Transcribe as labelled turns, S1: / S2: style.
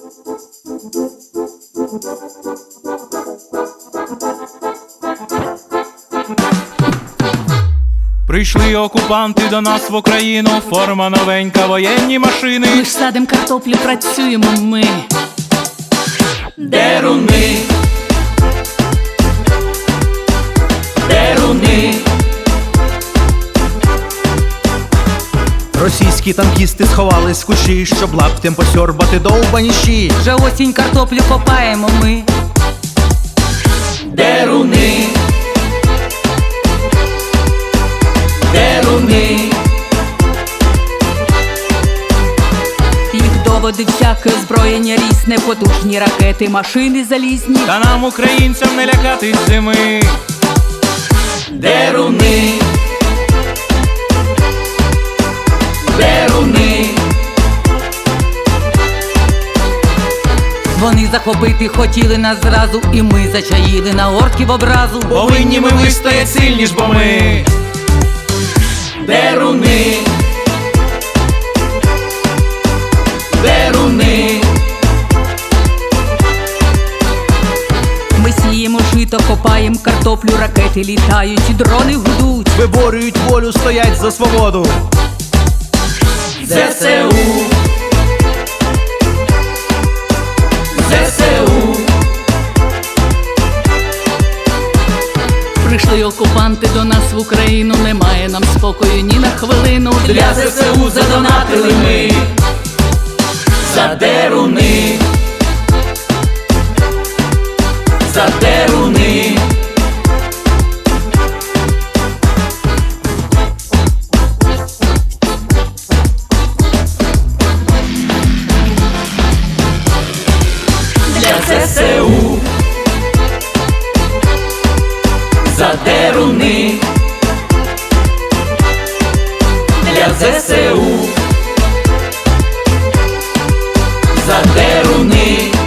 S1: Прийшли окупанти до нас в Україну, форма новенька, воєнні машини.
S2: Ми ж садим картоплю, працюємо ми.
S1: Деруни, деруни.
S3: Російські танкісти сховались в кущі, щоб лаптем посьорбати довбані щі.
S2: Вже осінь картоплю копаємо ми.
S1: Деруни, деруни.
S2: Їх доводить всяке зброєння різне, потужні ракети, машини залізні.
S1: Та нам, українцям, не лякати зими. Деруни, деруни.
S2: Вони захопити хотіли нас зразу, і ми зачаїли на орків образу.
S1: Повинні ми вистоять сильні ж, бо ми деруни, деруни.
S2: Ми сіємо жито, копаєм картоплю, ракети літають, і дрони гудуть.
S3: Виборюють волю, стоять за свободу.
S1: ЗСУ, ЗСУ.
S2: Прийшли окупанти до нас в Україну, немає нам спокою ні на хвилину.
S1: Для ЗСУ задонатили ми. За деруни, за деруни. Для ЗСУ, за деруни. Для ЗСУ, за деруни.